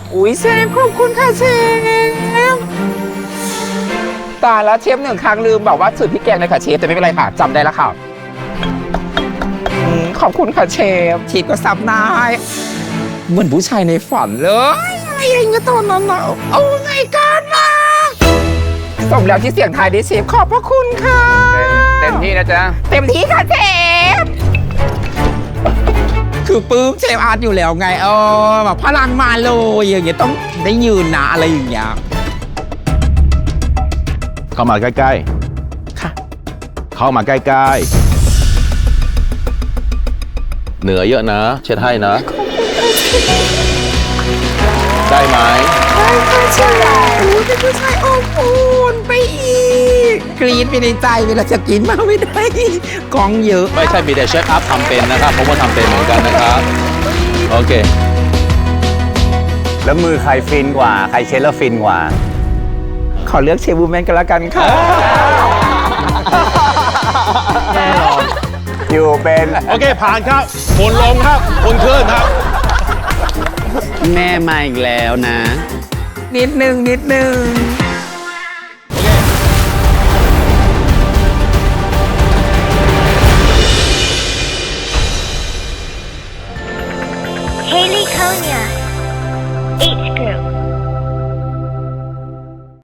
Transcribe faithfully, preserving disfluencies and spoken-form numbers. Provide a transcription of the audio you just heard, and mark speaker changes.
Speaker 1: อุ้ยเชฟขอบคุณค่ะเชฟตายแล้วเชฟหนึ่งครั้งลืมบอกว่าสูตรพริกแกงเลยค่ะเชฟแต่ไม่เป็นไรค่ะจำได้แล้วค่ะอืมขอบคุณค่ะเชฟเชฟก็ซับได้เหมือนผู้ชายในฝันเลยอะไรอย่างเงี้ยตอนนั้นนะโอ้ยกันนะสมแล้วที่เสียงไทายได้เชฟขอบพระคุณค่ะเต็มที่นะจ๊ะเต็มที่ค่ะเชฟคือปื้มเชฟอาร์ตอยู่แล้วไงเออแบบพลังมาเลยอย่างเงี้ยต้องได้ยืนนะอะไรอย่างเงี้ย
Speaker 2: เข้ามาใกล้
Speaker 1: ค่ะ
Speaker 2: ๆ เข้ามาใกล้ๆ เหนือเยอะนะ เช็ดให้นะ ได้ไหม
Speaker 1: ได้ค่ะเชฟโอ้ยเป็นผู้ชายอบอุ่นไปอีกกรี๊ดไปในใจเวลาจะกินมาไม่ได้กองเยอะ
Speaker 2: ไม่ใช่มีแต่เชฟอัพทำเป็นนะครับผมก็ทำเป็นเหมือนกันนะครับ โอเค
Speaker 3: แล้วมือใครฟินกว่า ใครเช็ดแล้วฟินกว่า
Speaker 1: ขอเลือกเชฟบูแมนกันละกันค่ะ
Speaker 3: อยู่เป็น
Speaker 2: โอเค ผ่านครับผลลงครับผลขึ้นครับ
Speaker 4: แม่มาอีกแล้วนะ
Speaker 1: นิดนึงนิดนึง